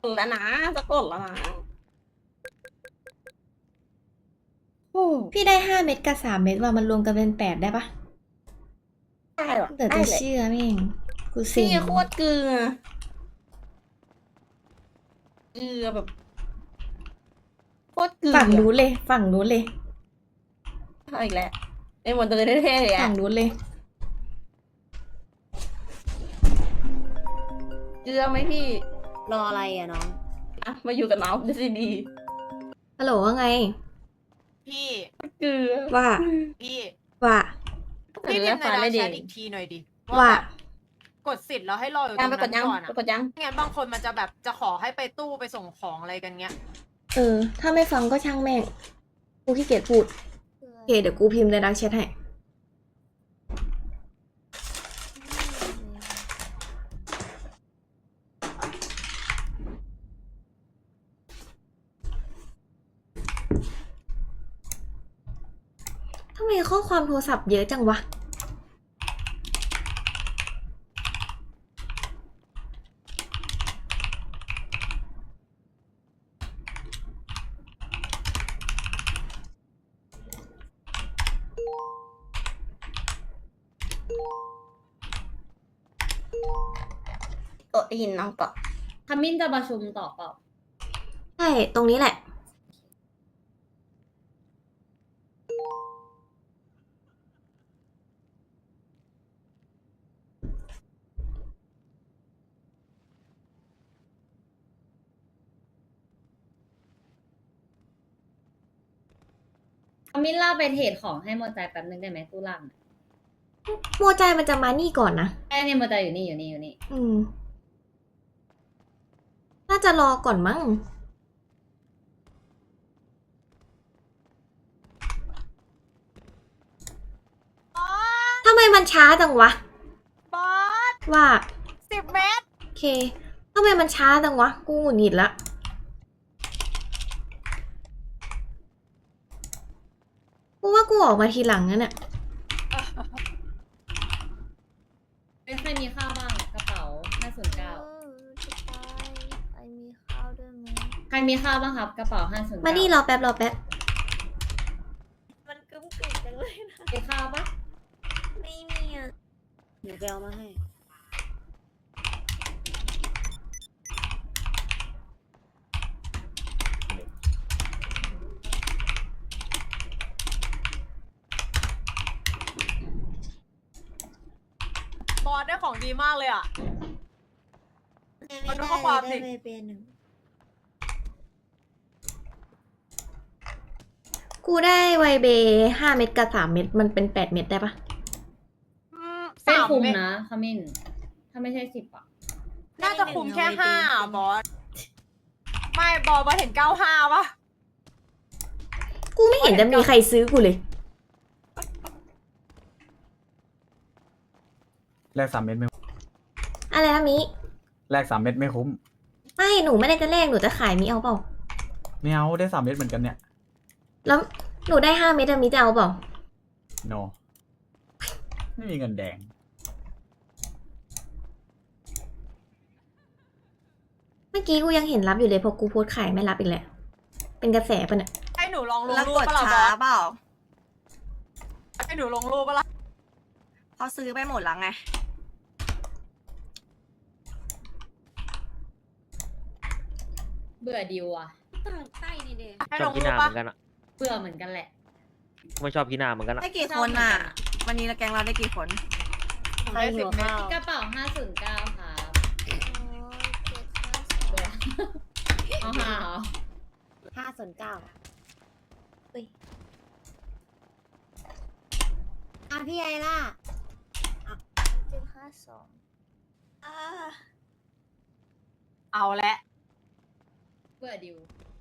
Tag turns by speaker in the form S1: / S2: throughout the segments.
S1: ดแล้วนะจะกดแล้วนะโอ้
S2: พี่ได้5 เม็ดกับ3 เม็ดว่ามันรวมกันเป็น8ได้ปะ
S1: ได้หรอ
S2: เดี๋ยว
S1: ได้เลย
S2: จะเชื่อแม่งกูเซ็
S1: พี่
S2: ง
S1: โคตรเกลือเกลือแบบโคตรเกลือ
S2: ฝั่งนู้นเลยฝั่งนู้นเลย
S1: เอาอีกแล้วไอ้หมดตัวเท่ๆเลย
S2: ฝั่
S1: อะ
S2: งนู้นเลย
S1: เกลือไหมพี่
S3: รออะไรอะน้อง
S1: อ่ะมาอยู่กับน้องดูสิดี
S2: ฮัลโหลว่าไง
S4: พี่
S1: เกลือ
S2: ว่า
S4: พี่
S2: ว่า
S4: พี่พิมพ์ใน
S1: ฟ้า
S4: ดาว
S1: เลย
S4: แช
S1: ดิ
S4: ทอีกทีหน่อยดิ
S2: ว่า
S4: แบบกดสิทธิ์แล้วให้รออยู่ต
S1: ยั
S4: รง ง
S1: ไปก
S4: นั้
S1: ด
S4: น
S1: ยัง
S4: ก่อน
S1: ไป
S4: อะ
S1: กดยัง
S4: ไม่งั้นบางคนมันจะแบบจะขอให้ไปตู้ไปส่งของอะไรกันเงี้ย
S2: ถ้าไม่ฟังก็ช่างแม่ง กูขี้เกียจพูด โอเค เดี๋ยวกูพิมพ์ในดักแชทให้ทำไมข้อความโทรศัพท์เยอะจังวะ
S1: ได้ยินน้องก่อน
S3: ขมิ้นจะประชุมต่อเปล่า
S2: ใช่ ตรงนี้แหละ
S3: ขมิ้นล่าไปเทรดของให้โมใจแป๊บนึงได้ไหมตู้ล่างอะ
S2: โมใจมันจะมานี่ก่อนนะ
S3: แค่เนี่ยโมใจอยู่นี่อยู่นี่อยู่นี่
S2: น่าจะรอก่อนมั้ง ทำไมมันช้าจังวะ
S4: บอส
S2: ว่า
S4: 10 เมตร
S2: โอเค ทำไมมันช้าจังวะ กูหงุดหงิดละ กูว่ากูออกมาทีหลังนั่นแหละ
S3: ไม่เคยมีข้าวบ้างกระเป๋า509
S5: จะตายไปมีข้าวด้วยไหม
S3: ใครมีข้าวบ้างครับกระเป๋า509
S2: มานี่รอแป๊บรอแป๊บ
S5: มันกึ้มกึ่งจังเลยนะ
S3: มีข้าวปะ
S5: ไม่มีอ่ะ
S3: เดี๋ยวไปเอามาให้
S4: บอสได้ของดีมากเลยอะ มาดูข้อความดิ
S5: ได้ไปเป็นหนึ่ง
S2: กูได้ไวเบ5 เม็ดกับ3 เม็ด มันเป็น8 เม็ดได้ปะ
S3: ไม่
S4: 3
S3: คุ้ม
S4: เมตร
S3: นะขมิ้น ถ้าไม่ใช่10อ่ะ
S4: น่าจะคุมแค่5อะบอส ไม่บอสเห็น95ปะ
S2: กูไม่เห็นจะมีใครซื้อกูเลย
S6: แลก3 เม็ดไม่
S2: อะไรนะมิ
S6: แลก3 เม็ดไม่คุ้ม
S2: ไม่ หนูไม่ได้จะแลกหนูจะขายมิเอาเปล่า
S6: ไม่เอาได้3 เม็ดเหมือนกันเนี่ย
S2: แล้วหนูได้5 เม็ดอะมิจะเอาเปล่า
S6: โน ไม่มีเงินแดง
S2: เมื่อกี้กูยังเห็นรับอยู่เลยพอกูโพสต์ขายไม่รับอีกแล้ว เป็นกระแสปะเนี่ย
S4: ให้หนูลองลง
S7: แล้ว
S4: รู
S7: ก
S4: ป
S7: ด
S4: ปะล่ะบ
S7: ช้า
S4: อส
S7: เปล่า
S4: ให้หนูลงรูปปะล่ะ
S7: เขาซื้อไปหมดแล้วไง
S3: เบื่อดิวอ่ะ
S5: ต่างใต้นี่เด้
S4: ให้
S8: ช
S4: ล
S8: อบ
S4: ง
S8: กิน
S4: รู
S8: ห
S4: ป
S8: น้าเห
S4: ปะ
S8: มือนกันอะ
S3: เบื่อเหมือนกันแหละ
S8: ไม่ชอบกินหน้าเหมือนกันอะ
S7: ได้กี่คนอ่ะ วันนี้เราแกงเราได้กี่คน
S4: ได้10 เมตร
S3: กระเป๋า509ครับ
S5: โอ้ยเจ็ดห้าสอง
S3: เอาหาเหรอ
S5: 509อุ้ยอ่ะพี่ไอล่ะ752อ่า
S4: เอาละ
S3: เบื่อดิว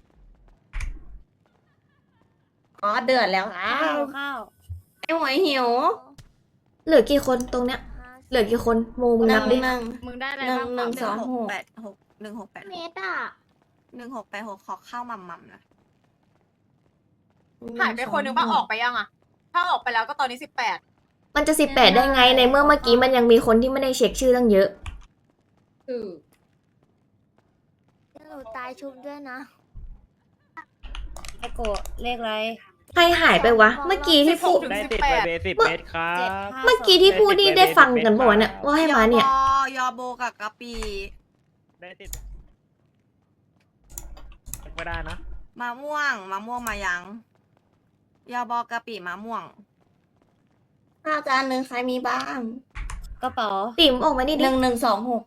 S1: อ๋อเดือดแล้วอ้า
S5: ข้าว วข้าว
S1: ไอ้หวยหิว
S2: เหลือกี่คนตรงเนี้ย เหลือกี่คนโมมึง
S1: ห
S2: นั
S1: นึ่
S2: บ
S1: ง
S2: ดิ
S1: หนึ่ง
S3: มึงได้อะไร
S1: หนึ่ง
S3: บ้าง
S1: หนึ่ง
S3: ครับ
S7: 1686
S5: เมตรอ่ะ
S7: 1686ขอเข้ามัมนะ
S4: หายไปคนนึงปะออกไปยังอะถ้าออกไปแล้วก็ตอนนี้18
S2: มันจะ18ได้ไงในเมื่อเมื่อกี้มันยังมีคนที่ไม่ได้เช็คชื่อตั้งเยอะ
S3: คือ
S5: หนูตายชุบด้วยนะ
S3: ไอโกะเลขอะไร
S2: ใครหายไปวะ เมื่อกี้ที่พูด
S8: ได้ติดไปเบสิบเมตรครับ
S2: เมื่อกี้ที่พูดนี่ได้ฟังกันบ่อยเนี่ยว่าให้มาเนี่ย
S7: ยอโบกับกะปี
S8: ได้ติดไม่ได้นะ
S7: มะม่วงมายังยอบอกะปิมะม่วง
S2: ข้าวจานหนึ่งใครมีบ้าง
S3: กระเป๋า
S2: ติ๋มออกมานี่ดิ
S3: 1126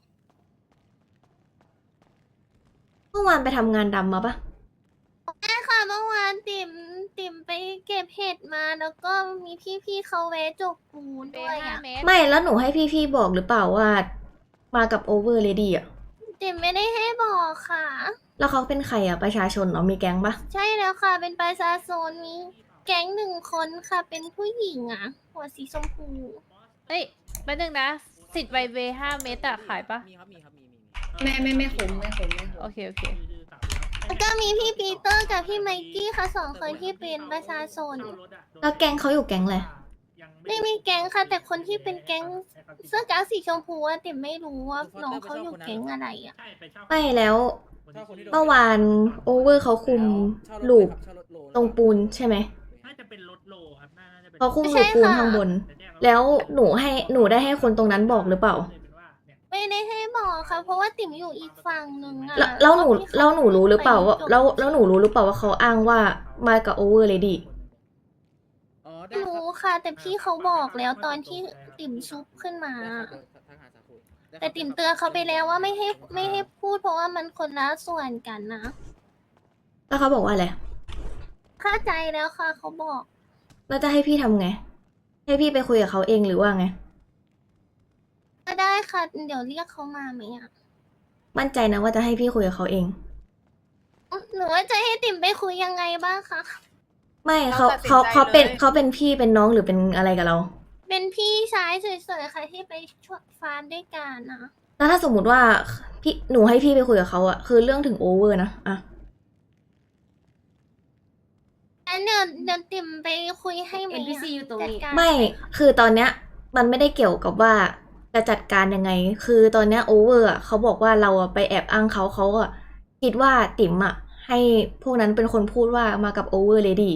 S2: เมื่อวานไปทำงานดำมาปะ
S5: ใช่ค่ะเมื่อวานติ่มไปเก็บเห็ดมาแล้วก็มีพี่ๆเขาแวะจกปูนด้วยอ่ะ
S2: ไม่แล้วหนูให้พี่ๆบอกหรือเปล่าว่ามากับโอเวอร์เลดี้อ่ะ
S5: ติ่มไม่ได้ให้บอกค่ะ
S2: แล้วเขาเป็นใครอ่ะประชาชนเหรอมีแก๊งปะ
S5: ใช่แล้วค่ะ เป็นประชาชนมีแก๊งหนึ่งคนค่ะ เป็นผู้หญิงอ่ะ หัวสีชมพู
S9: เอ้ยแป๊บนึงนะสิทธิ์ไวเว5 เมตรอะขายปะ
S3: มีครับมี
S1: ไม่คุ้ม
S9: โอเค โอเค
S5: แล้วก็มีพี่ปีเตอร์กับพี่ไมกี้ค่ะสองคนที่เป็นประชาชน
S2: แล้วแก๊งเขาอยู่แก๊งอะไร
S5: ไม่มีแก๊งค่ะ แต่คนที่เป็นแก๊งเสื้อกั๊กสีชมพูอะติ่มไม่รู้ว่าน้องเขาอยู่แก๊งอะไรอ่ะ
S2: ไม่แล้วเมื่อวานโอเวอร์เขาคุมลูปตรงปูนใช่ไหม
S10: น่าจะเป็นรถโลครับน่าจะเป็น
S2: เขาคุมลูปปูนข้างบน แล้วหนูได้ให้คนตรงนั้นบอกหรือเปล่า
S5: ไม่ได้ให้บอกค่ะ เพราะว่าติ่มอยู่อีกฝั่งหนึ่งอ่ะ
S2: แล้วหนูรู้หรือเปล่าว่าแล้วหนูรู้หรือเปล่าว่าเขาอ้างว่ามากับโอเวอร์เลดี้
S5: รู้ค่ะ แต่พี่เขาบอกแล้วตอนที่ติ่มชุบขึ้นมา แต่ติ่มเตือนเขาไปแล้วว่าไม่ให้พูดเพราะว่ามันคนละส่วนกันนะ
S2: แล้วเขาบอกว่าอะไร
S5: เข้าใจแล้วค่ะเขาบอก
S2: แล้วจะให้พี่ทำไง ให้พี่ไปคุยกับเขาเองหรือว่าไง
S5: ก็ได้ค่ะ เดี๋ยวเรียกเขามาไหมอ่ะ
S2: มั่นใจนะว่าจะให้พี่คุยกับเขาเอง
S5: หนูว่าจะให้ติ่มไปคุยยังไงบ้างคะ
S2: ไม่เขาเป็นพี่เป็นน้องหรือเป็นอะไรกับเรา
S5: เป็นพี่ชายสวยๆค่ะที่ไปช่วยฟาร์มด้วยกันนะ
S2: แล้วถ้าสมมุติว่าหนูให้พี่ไปคุยกับเขาอะคือเรื่องถึงโอเวอร์นะอะ
S5: งั้นเดี๋ยวติ่มไปคุยให้ไหม
S3: NPC อยู่ตรงนี้
S5: จัดการ
S2: ไม่คือตอนเนี้ยมันไม่ได้เกี่ยวกับว่าจะจัดการยังไง คือตอนเนี้ยโอเวอร์อะเขาบอกว่าเราอะไปแอบอ้างเขาอะคิดว่าติ๋มอะให้พวกนั้นเป็นคนพูดว่ามากับโอเวอร์เลดี้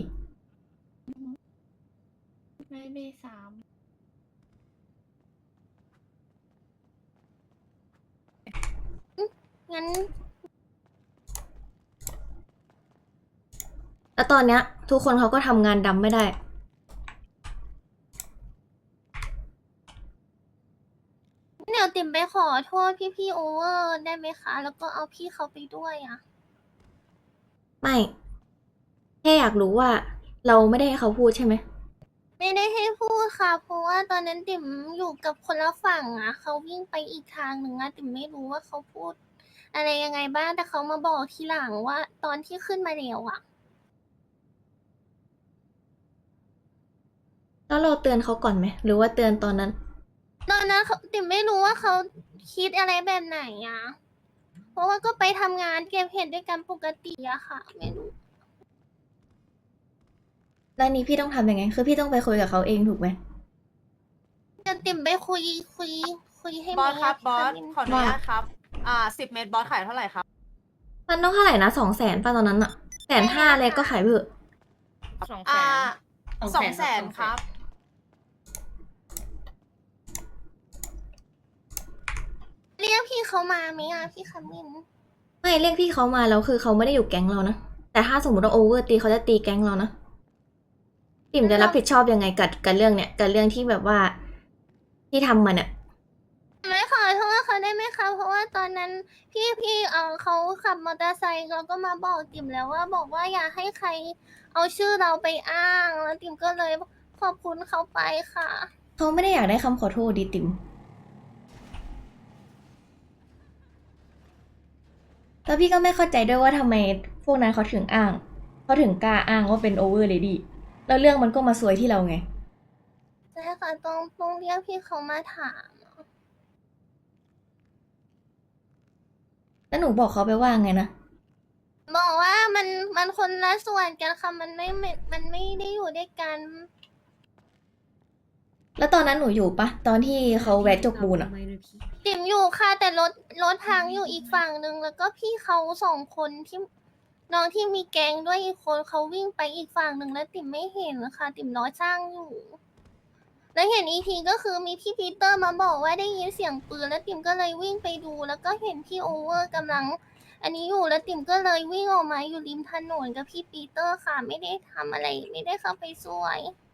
S1: ไม่สาม
S5: งั้น
S2: แล้วตอนเนี้ยทุกคนเขาก็ทำงานดำไม่ได้
S5: เดี๋ยวติ่มไปขอโทษพี่โอเวอร์ได้ไหมคะ แล้วก็เอาพี่เขาไปด้วยอ่ะ
S2: ไม่แค่อยากรู้ว่าเราไม่ได้ให้เขาพูดใช่ไหม
S5: ไม่ได้ให้พูดค่ะ เพราะว่าตอนนั้นติ่มอยู่กับคนละฝั่งอ่ะเขาวิ่งไปอีกทางหนึ่งอ่ะติ่มไม่รู้ว่าเขาพูด อะไรยังไงบ้างแต่เขามาบอกทีหลังว่าตอนที่ขึ้นมาแล้วอ่ะ
S2: แล้วเราเตือนเขาก่อนไหมหรือว่าเตือนตอนนั้น
S5: ตอนนั้นติ่มไม่รู้ว่าเขาคิดอะไรแบบไหนอ่ะ เพราะว่าก็ไปทำงานเก็บเห็ดด้วยกันปกติอะค่ะ ไม่รู้
S2: แล้วนี้พี่ต้องทำยังไง คือพี่ต้องไปคุยกับเขาเองถูกไหม
S5: จะติ่มไปคุยให้
S4: บอสครับ
S5: ไหมะ
S4: บอส
S5: พี่
S4: ขออนุญาตครับ 10 เมตรบอสขายเท่าไหร่ครับ
S2: มันต้องเท่าไหร่นะ200,000ป่ะตอนนั้นอะ150,000เลยก็ขายไปเถอะ
S4: 200,000ครับ
S5: เรียกพี่เขามาไหมอ่ะพี่คามิน
S2: ไม่เรียกพี่เขามาแล้วคือเขาไม่ได้อยู่แก๊งเรานะ แต่ถ้าสมมติว่าโอเวอร์ตีเขาจะตีแก๊งเรานะปิ่มจะรับผิดชอบยังไงกับเรื่องเนี้ยกับเรื่องที่แบบว่าที่ทำมันอะ
S5: ไม่ขอโทษเขาได้ไหมคะ เพราะว่าตอนนั้นพี่เขาขับมอเตอร์ไซค์แล้วก็มาบอกติ่มแล้วว่าบอกว่าอย่าให้ใครเอาชื่อเราไปอ้างแล้วติ่มก็เลยขอบคุณเขาไปค่ะ
S2: เขาไม่ได้อยากได้คำขอโทษดิติ่มแล้วพี่ก็ไม่เข้าใจด้วยว่าทำไมพวกนั้นเขาถึงอ้างเขาถึงกล้าอ้างว่าเป็นโอเวอร์เลดี้แล้วเรื่องมันก็มาซวยที่เราไง
S5: ใช่ค่ะต้องเรียกพี่เขามาถาม
S2: แล้วหนูบอกเขาไปว่าไงนะ
S5: บอกว่ามันคนละส่วนกันค่ะมันไม่ได้อยู่ด้วยกัน
S2: แล้วตอนนั้นหนูอยู่ปะตอนที่เขาแวะจกปูนอะ
S5: ติ๋มอยู่ค่ะแต่รถพังอยู่อีกฝั่งหนึ่งแล้วก็พี่เขาสองคนที่น้องที่มีแก๊งด้วยอีกคนเขาวิ่งไปอีกฝั่งหนึ่งแล้วติ๋มไม่เห็นนะคะติ๋มรอช่างอยู่ แล้วเห็นอีกทีก็คือมีพี่ปีเตอร์มาบอกว่าได้ยินเสียงปืนแล้วติ๋มก็เลยวิ่งไปดู แล้วก็เห็นพี่โอเวอร์กำลัง อันนี้อยู่แล้วติ๋มก็เลยวิ่งออกมาอยู่ริมถนนกับพี่ปีเตอร์ค่ะ ไม่ได้ทำอะไรไม่ได้เข้าไปช่วย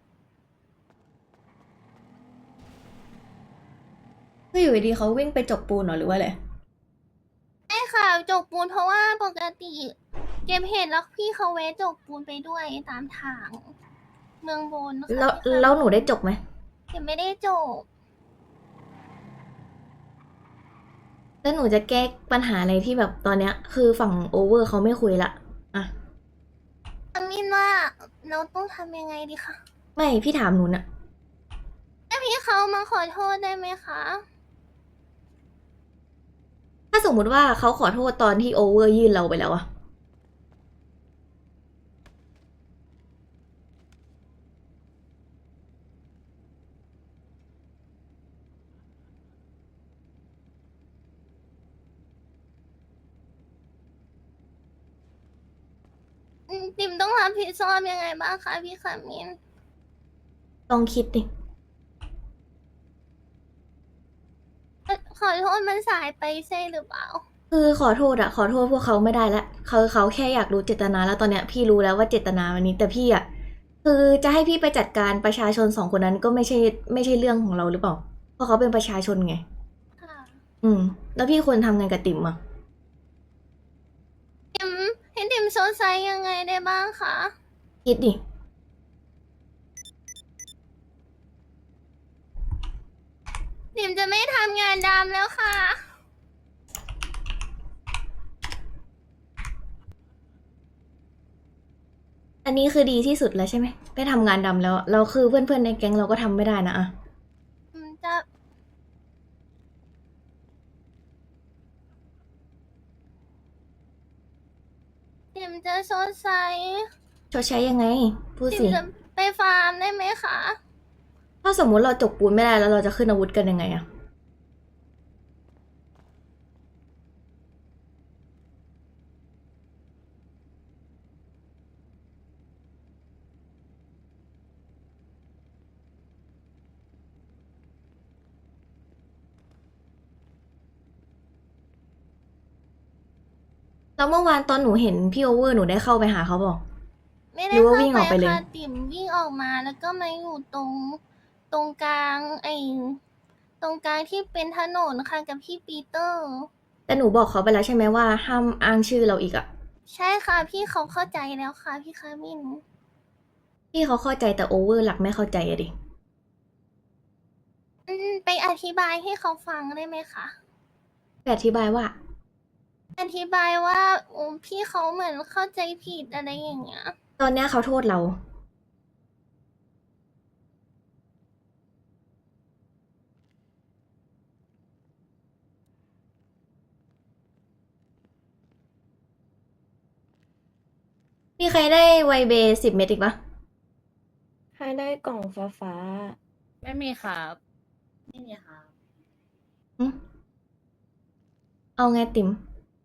S2: ก็อยู่ดีๆเขาวิ่งไปจกปูนเหรอหรือว่าอะไร
S5: ใช่ค่ะจกปูนเพราะว่าปกติเก็บเห็ดแล้วพี่เขาแวะจกปูนไปด้วยตามทาง เมืองบนค่ะ
S2: แล้วหนูได้จกไหม
S5: เก็บไม่ได้จก
S2: แล้วหนูจะแก้ปัญหาอะไรที่แบบตอนเนี้ย คือฝั่งโอเวอร์เขาไม่คุยละอะ
S5: อามินว่าเราต้องทำยังไงดีคะ
S2: ไม่พี่ถามหนูน่ะ
S5: ให้พี่เขามาขอโทษได้ไหมคะ
S2: ถ้าสมมุติว่าเขาขอโทษตอนที่โอเวอร์ยื่นเราไปแล้วอะ
S5: ติมต้องรับผิดชอบยังไงบ้างคะพี่ขามิน
S2: ต้องคิดดิ
S5: ขอโทษมันสายไปใช่หรือเปล่า
S2: คือขอโทษอะขอโทษพวกเขาไม่ได้ละเขาแค่อยากรู้เจตนาแล้วตอนเนี้ยพี่รู้แล้วว่าเจตนาวันนี้แต่พี่อะคือจะให้พี่ไปจัดการประชาชนสองคนนั้นก็ไม่ใช่เรื่องของเราหรือเปล่า เพราะเขาเป็นประชาชนไง
S5: ค่ะ
S2: แล้วพี่ควรทำไงกับติ๋มอะ
S5: ติมให้ติมโซไซยังไงได้บ้างคะ
S2: คิดดิ
S5: ติมจะไม่ทำงานดำแล้วค่ะ
S2: อันนี้คือดีที่สุดแล้วใช่ไหมได้ทำงานดำแล้วเราคือเพื่อนๆในแก๊งเราก็ทำไม่ได้นะอะ
S5: จะติมจะโซไซ
S2: ชดใช้ยังไง พูด
S5: ติม
S2: สิ
S5: จะไปฟาร์มได้ไหมคะ
S2: ถ้าสมมุติเราจกปูนไม่ได้แล้วเราจะขึ้นอาวุธกันยังไงอะแล้วเมื่อวานตอนหนูเห็นพี่โอเวอร์หนูได้เข้าไปหาเขาบอก
S5: ไม่
S2: ห
S5: ได้
S2: รือว่า
S5: เข้า
S2: วิ่งออกไปเลย
S5: ค่ะติ่มวิ่งออกมาแล้วก็มาอยู่ตรงกลางตรงกลางที่เป็นถนนค่ะกับพี่ปีเตอร์
S2: แต่หนูบอกเขาไปแล้วใช่ไหมว่าห้ามอ้างชื่อเราอีกอะ
S5: ใช่ค่ะพี่เขาเข้าใจแล้วค่ะพี่คามิน
S2: พี่เขาเข้าใจแต่โอเวอร์หลักไม่เข้าใจอะดิ
S5: ไปอธิบายให้เขาฟังได้ไหมคะ
S2: ไปอธิบายว่า
S5: อธิบายว่าพี่เขาเหมือนเข้าใจผิดอะไรอย่างเงี้ย
S2: ตอนเนี้ยเขาโทษเรา มีใครได้ไวเบ10 เม็ดอีกปะ
S11: ใครได้กล่องฟ้า
S9: ไม่มีครับ
S3: ไม่มีค่ะ
S2: หึเอาไงติ๋ม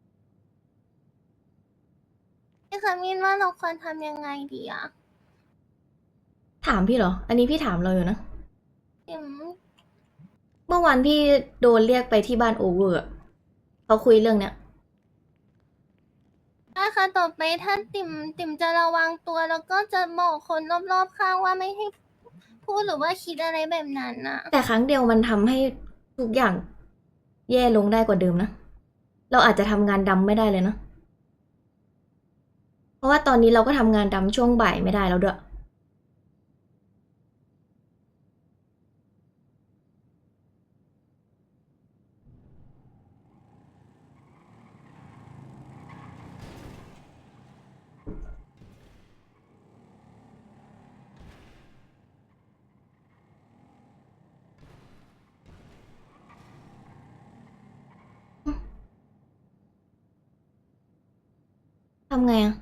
S5: พี่คามินว่าเราควรทำยังไงดีอะ
S2: ถามพี่เหรอ อันนี้พี่ถามเราอยู่นะ
S5: ติ่ม
S2: เมื่อวานพี่โดนเรียกไปที่บ้านโอเวอร์อะเขาคุยเรื่องเนี้ย
S5: ถ้าค่ะต่อไปถ้าติ่มจะระวังตัวแล้วก็จะบอกคนรอบๆข้างว่าไม่ให้พูดหรือว่าคิดอะไรแบบนั้นน่ะ
S2: แต่ครั้งเดียวมันทำให้ทุกอย่างแย่ลงได้กว่าเดิมนะ เราอาจจะทำงานดำไม่ได้เลยนะ เพราะว่าตอนนี้เราก็ทำงานดำช่วงบ่ายไม่ได้แล้วด้วย ทำไงอะ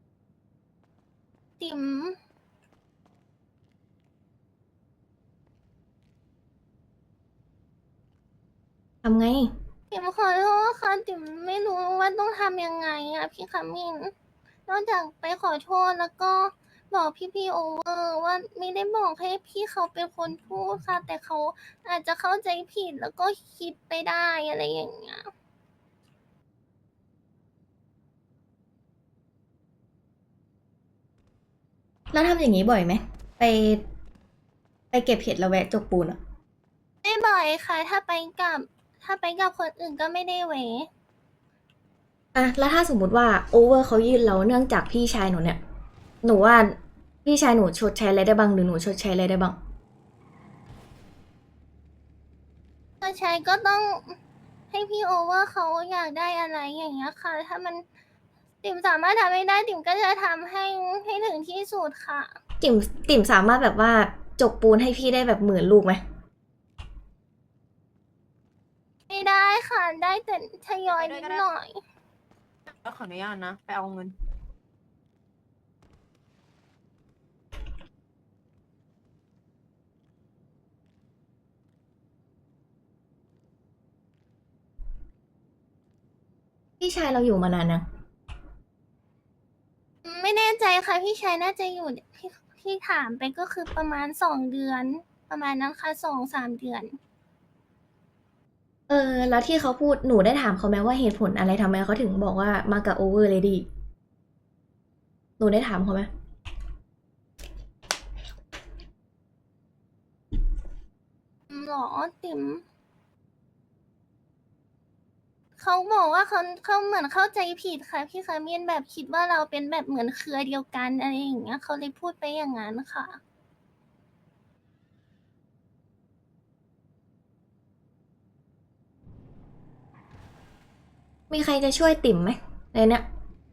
S5: ติ่ม
S2: ำไง
S5: ติ๋มขอโทษค่ะติ๋มไม่รู้ว่าต้องทำยังไงอะพี่ขมิ้นนอกจากไปขอโทษแล้วก็บอกพี่โอเวอร์ว่าไม่ได้บอกให้พี่เขาเป็นคนพูดค่ะ แต่เขาอาจจะเข้าใจผิดแล้วก็คิดไปได้อะไรอย่างเงี้ย
S2: แล้วทำอย่างนี้บ่อยไหมไปเก็บเห็ดแล้วแวะจกปูนอะ
S5: ไม่บ่อยค่ะ ถ้าไปกับคนอื่นก็ไม่ได้เว
S2: อะแล้วถ้าสมมุติว่าโอเวอร์เขายื่นเราเนื่องจากพี่ชายหนูเนี่ย หนูว่าพี่ชายหนูชดใช้อะไรได้บ้างหรือหนูชดใช้อะไรได้บ้าง
S5: ถ้าใช้ก็ต้องให้พี่โอเวอร์เขาอยากได้อะไรอย่างเงี้ยค่ะ ถ้ามันติ๋มสามารถทำไม่ได้ติ๋มก็จะทำให้ถึงที่สุดค่ะ
S2: ติ่มสามารถแบบว่าจกปูนให้พี่ได้แบบ10,000 ลูกไหม
S5: ไม่ได้ค่ะ ได้แต่ทยอยนิดหน่อย
S4: ก็ขออนุญาตนะ ไปเอาเงิน
S2: พี่ชายเราอยู่มานานนะ
S5: ไม่แน่ใจค่ะ พี่ชายน่าจะอยู่ที่ถามไปก็คือประมาณ2 เดือน ประมาณนั้นค่ะ2-3 เดือน
S2: แล้วที่เขาพูดหนูได้ถามเขาไหมว่าเหตุผลอะไรทำไมเขาถึงบอกว่ามากับโอเวอร์เลดี้หนูได้ถามเขาไหม
S5: หรอติ๋มเขาบอกว่าเขาเหมือนเข้าใจผิดค่ะพี่คามินแบบคิดว่าเราเป็นแบบเหมือนเครือเดียวกันอะไรอย่างเงี้ยเขาเลยพูดไปอย่างนั้นค่ะ
S2: มีใครจะช่วยติ่มไหมในเนี้ย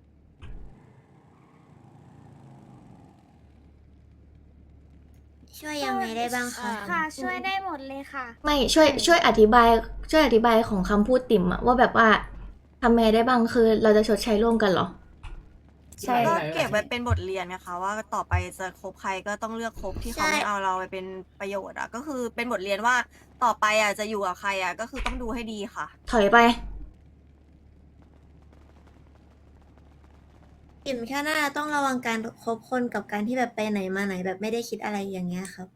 S11: ช่วยยังไงได้บ้างคะ
S5: ค่ะ ช่วยได้หมดเลยค่ะ
S2: ไม่ช่วยอธิบายของคำพูดติ่มอะว่าแบบว่าทำไงได้บ้างคือเราจะชดใช้ร่วมกันเหรอ
S1: ใช่
S7: ก็เก็บไว้เป็นบทเรียนนะคะว่าต่อไปจะคบใครก็ต้องเลือกคบที่เขาไม่เอาเราไปเป็นประโยชน์อ่ะก็คือเป็นบทเรียนว่าต่อไปอ่ะจะอยู่กับใครอ่ะก็คือต้องดูให้ดีค่ะ
S2: ถอยไป
S11: ติ่มแค่น่าจะต้องระวังการคบคนกับการที่แบบไปไหนมาไหนแบบไม่ได้คิดอะไรอย่างเงี้ยครับ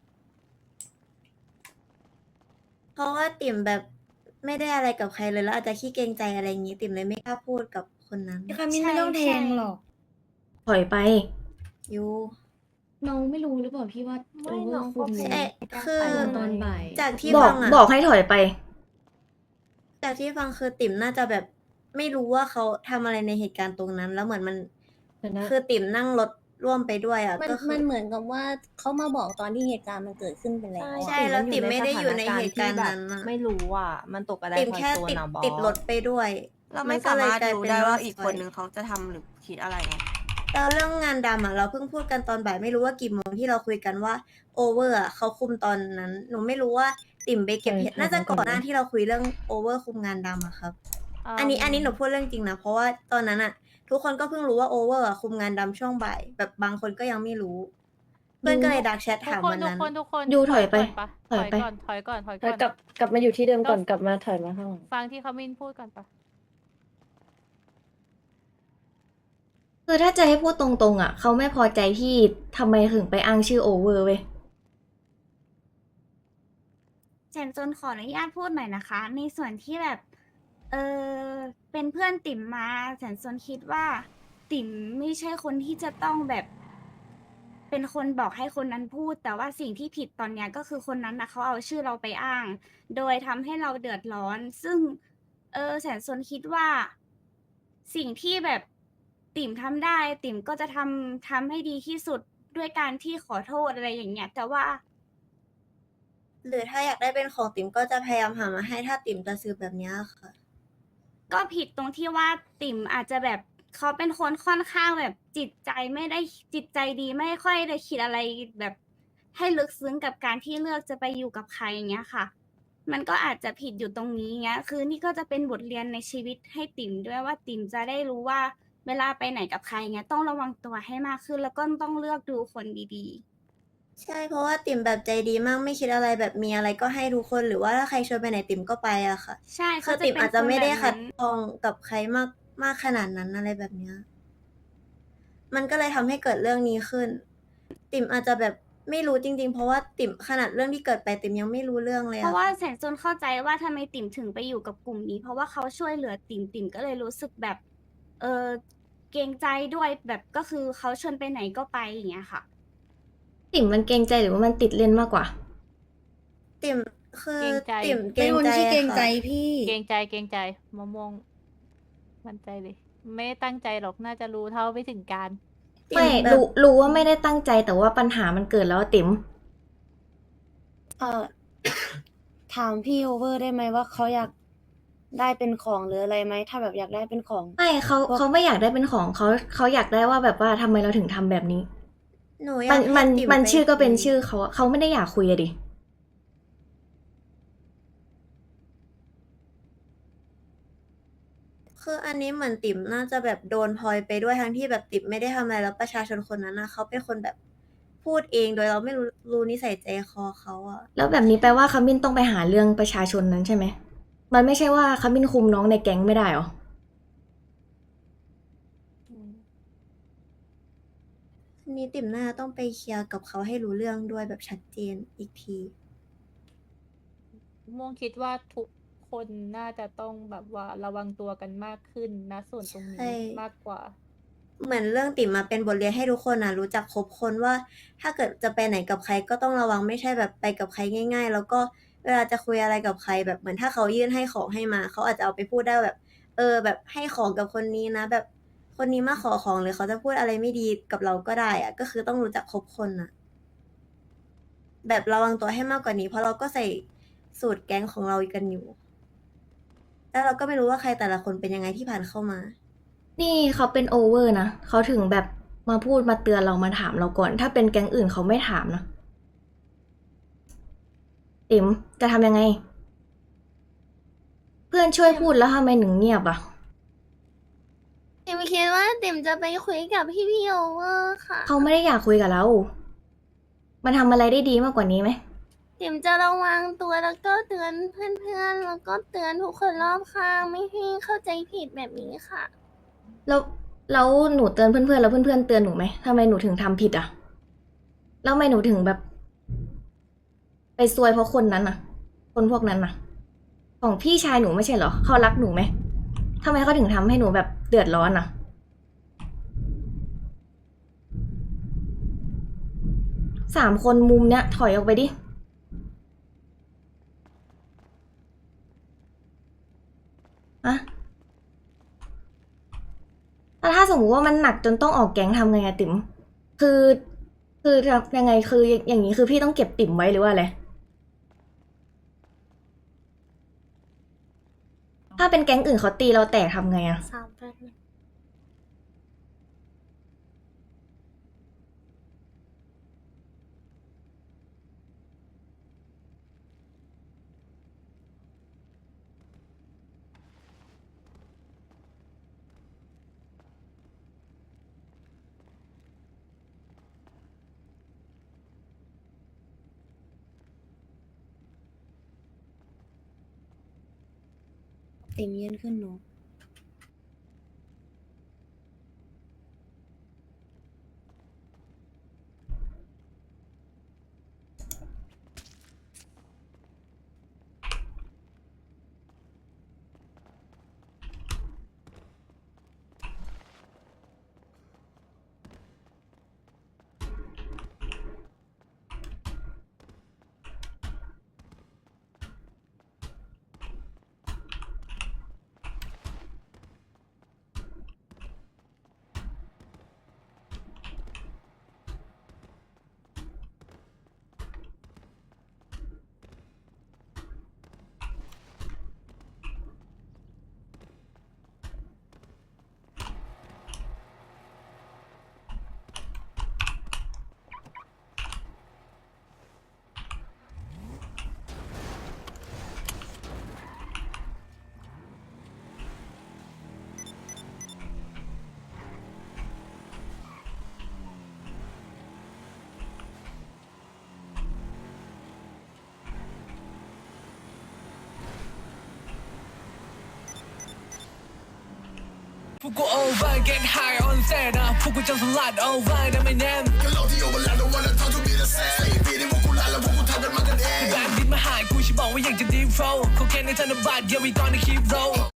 S11: เพราะว่าติ่มแบบไม่ได้อะไรกับใครเลยแล้วอาจจะขี้เกรงใจอะไรอย่างงี้ ติ่มเลยไม่กล้าพูดกับคนนั้น
S1: พี่คามินไม่ต้องแทงหรอก
S2: ถอยไป
S11: ยู
S1: น้องไม่รู้หรือเปล่าพี่ว่าโอเวอร์คุม
S11: เอ๊ะคือ
S1: ตอนบ่าย
S11: จากที่
S2: บอก
S11: ฟังอะ
S2: บอกให้ถอยไป
S11: จากที่ฟังคือติ่มน่าจะแบบไม่รู้ว่าเขาทำอะไรในเหตุการณ์ตรงนั้น แล้วเหมือนมัน
S1: แต่นะ
S11: คือติ่มนั่งรถร่วมไปด้วยอ่ะ
S5: มัน
S11: ก็คือ
S5: มันเหมือนกับว่าเขามาบอกตอนที่เหตุการณ์มันเกิดขึ้นไปแล้ว
S11: ใช่แล้วติ่มไม่ได้อยู่ในเหตุการณ์นั้นอะ
S4: ไม่รู้อ่ะ มันตกอะไร
S11: ติ่มแค่ติดรถไปด้วย
S7: เราไม่
S11: นก็
S7: สา
S11: เลย
S7: มารถ
S11: กลย
S7: รู้
S11: เป็น
S7: ได้ว่า
S11: ซ
S7: อีกคนนึงเขาจะทำหรือคิดอะไรไง
S11: แล้วเรื่องงานดำอ่ะเราเพิ่งพูดกันตอนบ่ายไม่รู้ว่ากี่โมงที่เราคุยกันว่าโอเวอร์อ่ะเขาคุมตอนนั้น หนูไม่รู้ว่าติ่มไปเก็บเห็ด
S1: ใช่
S11: น่าจะ
S1: ใช่
S11: ก่อนหน้าที่เราคุยเรื่องโอเวอร์คุมงานดำอะครับ อันนี้หนูพูดเรื่องจริงนะเพราะว่าตอนนั้นอ่ะ ทุกคนก็เพิ่งรู้ว่าโอเวอร์คุมงานดำช่วงบ่ายแบบบางคนก็ยังไม่รู้ เพื่อนก็เลยดักแชท
S9: ทุก
S11: ถาม
S9: คน
S11: วัน
S9: ทุก
S11: นั้น
S9: คนทุกคน
S2: ยูถอยไป
S9: ก่นปะ
S2: ถอยไป
S9: ถอยก่อน
S1: แล้วกลับมาอยู่ที่เดิมก่อนกลับมาถอยมาข้างหลัง
S9: ฟังที่เขามินพูดก่อนปะ
S2: คือถ้าจะให้พูดตรงๆอ่ะเขาไม่พอใจที่ทำไมถึงไปอ้างชื่อโอเวอร์เว้ย
S5: แจนจนขออนุญาตพูดหน่อยนะคะ ในส่วนที่แบบ เป็นเพื่อนติ๋มมาแสนซนคิดว่า ติ๋มไม่ใช่คนที่จะต้องแบบ เป็นคนบอกให้คนนั้นพูด แต่ว่าสิ่งที่ผิดตอนเนี้ยก็คือคนนั้นนะเขาเอาชื่อเราไปอ้าง โดยทำให้เราเดือดร้อน ซึ่ง แสนซนคิดว่า สิ่งที่แบบติ๋มทำได้ ติ๋มก็จะทำให้ดีที่สุดด้วยการที่ขอโทษอะไรอย่างเงี้ย แต่ว่า
S11: หรือถ้าอยากได้เป็นของติ๋มก็จะพยายามหามาให้ถ้าติ๋มจะซื้อแบบเนี้ยค่ะ
S5: ก็ผิดตรงที่ว่าติ๋มอาจจะแบบเขาเป็นคนค่อนข้างแบบจิตใจไม่ได้จิตใจดีไม่ค่อยได้คิดอะไรแบบให้ลึกซึ้งกับการที่เลือกจะไปอยู่กับใครอย่างเงี้ยค่ะ มันก็อาจจะผิดอยู่ตรงนี้เงี้ย คือนี่ก็จะเป็นบทเรียนในชีวิตให้ติ๋มด้วยว่าติ๋มจะได้รู้ว่าเวลาไปไหนกับใครเงี้ยต้องระวังตัวให้มากขึ้น แล้วก็ต้องเลือกดูคนดีๆ
S11: ใช่เพราะว่าติ่มแบบใจดีมากไม่คิดอะไรแบบมีอะไรก็ให้ทุกคนหรือว่าถ้าใครชวนไปไหนติ่มก็ไปอะค่ะ
S5: ใช่
S11: คื
S5: เขา
S11: อ
S5: จะ
S11: ติ่ม
S5: เป็น
S11: อาจจะไม่ได้
S5: คนแบบ
S11: ขัด
S5: นั้น
S11: ข้องกับใครมากขนาดนั้นอะไรแบบเนี้ยมันก็เลยทำให้เกิดเรื่องนี้ขึ้น ติ่มอาจจะแบบไม่รู้จริงๆ เพราะว่าติ่มขนาดเรื่องที่เกิดไปติ่มยังไม่รู้เรื่องเลย
S5: เพ
S11: อะ
S5: ราะว่า
S11: ค่ะ
S5: แสงโซนเข้าใจว่าทำไมติ่มถึงไปอยู่กับกลุ่มนี้ เพราะว่าเขาช่วยเหลือติ่มติ่มก็เลยรู้สึกแบบ เกรงใจด้วยแบบก็คือเขาชวนไปไหนก็ไปอย่างเงี้ยค่ะ
S2: ติ่มมันเกรงใจหรือว่ามันติดเล่นมากกว่า
S11: ติ่มคือ
S9: เกรงใจ
S11: ติ่มเกร
S1: ไม่
S11: ง
S1: มัน
S11: ใจ
S1: ไม่ใช่เกรงใจ
S11: ค่ะ
S1: พี่
S9: เกรงใจเกรงใจมะม่วงมั่นใจเลย ไม่ได้ตั้งใจหรอกน่าจะรู้เท่าไม่ถึงการ
S11: ติ่
S2: ไม่
S11: แบบ
S2: รู้ว่าไม่ได้ตั้งใจแต่ว่าปัญหามันเกิดแล้วอะติ๋ม
S12: ถามพี่โอเวอร์ได้ไหมว่าเขาอยากได้เป็นของหรืออะไรไหมถ้าแบบอยากได้เป็นของ
S2: ไม่เขาไม่อยากได้เป็นของเขาอยากได้ว่าแบบว่าทำไมเราถึงทำแบบนี้
S11: หนูอ
S2: มั
S11: ยาน กให้
S2: มัน
S11: ติ่ม
S2: มัน
S11: ไป
S2: ชื่อก็เป็น
S11: คุย
S2: ชื่อเขาอะเขาไม่ได้อยากคุยอะดิ
S11: คืออันนี้เหมือนติ๋มน่าจะแบบโดนพลอยไปด้วยทั้งที่แบบติ๋มไม่ได้ทำอะไรแล้วประชาชนคนนั้นนะเขาเป็นคนแบบพูดเองโดยเราไม่รู้นิสัยใจคอเขาอะ
S2: แล้วแบบนี้แปลว่าขมิ้นต้องไปหาเรื่องประชาชนนั้นใช่ไหม มันไม่ใช่ว่าขมิ้นคุมน้องในแก๊งไม่ได้หรอ
S11: อันนี้ติ๋มน่าจะต้องไปเคลียร์กับเขาให้รู้เรื่องด้วยแบบชัดเจนอีกที
S9: ม่วงคิดว่าทุกคนน่าจะต้องแบบว่าระวังตัวกันมากขึ้นนะส่วนตรง
S11: ใช่
S9: นี้มากกว่า
S11: เหมือนเรื่องติ๋มมาเป็นบทเรียนให้ทุกคนนะรู้จักคบคนว่า ถ้าเกิดจะไปไหนกับใครก็ต้องระวังไม่ใช่แบบไปกับใครง่าย ๆ แล้วก็เวลาจะคุยอะไรกับใครแบบเหมือนถ้าเขายื่นให้ของให้มาเขาอาจจะเอาไปพูดได้แบบ แบบให้ของกับคนนี้นะ แบบคนนี้มาขอของหรือเขาจะพูดอะไรไม่ดีกับเราก็ได้อะก็คือต้องรู้จักคบคนนะแบบระวังตัวให้มากกว่านี้ เพราะเราก็ใส่สูตรแก๊งของเรากันอยู่ แล้วเราก็ไม่รู้ว่าใครแต่ละคนเป็นยังไงที่ผ่านเข้ามา
S2: นี่เขาเป็นโอเวอร์นะเขาถึงแบบมาพูดมาเตือนเรามาถามเราก่อน ถ้าเป็นแก๊งอื่นเขาไม่ถามนะติ๋มจะทำยังไง เพื่อนช่วยพูดแล้วทำไมหนึ่งเงียบอะ
S5: ติ่มคิดว่าติ่มจะไปคุยกับพี่โอเวอร์ค่ะ
S2: เขาไม่ได้อยากคุยกับเรา มันทำอะไรได้ดีมากกว่านี้ไหม
S5: ติ่มจะระวังตัวแล้วก็เตือนเพื่อนๆ แล้วก็เตือนทุกคนรอบข้างไม่ให้เข้าใจผิดแบบนี้ค่ะ
S2: แล้วหนูเตือนเพื่อนๆแล้วเพื่อนๆเตือนหนูไหมทำไมหนูถึงทำผิดอะแล้วทำไมหนูถึงแบบ ไปซวยเพราะคนนั้นอะคนพวกนั้นอะของพี่ชายหนูไม่ใช่เหรอเขารักหนูไหมทำไมเขาถึงทำให้หนูแบบเดือดร้อนอะ3 คนมุมเนี้ยถอยออกไปดิอะแล้วถ้าสมมติว่ามันหนักจนต้องออกแก๊งทำไงอะติ๋มคือยังไงคืออย่างนี้คือพี่ต้องเก็บติ๋มไว้หรือว่าอะไรถ้าเป็นแก๊งอื่นเขาตีเราแตกทำไงอะ
S12: ติ่มยืนขึ้นหนู
S13: พวกกู over get high on set นะพวกกูจะสลัด over นะไม่แน่แบบดินมาหายกูฉันบอกว่าอยากจะ deep flow เขาแค่ในธนบัตร yeah we gonna keep roll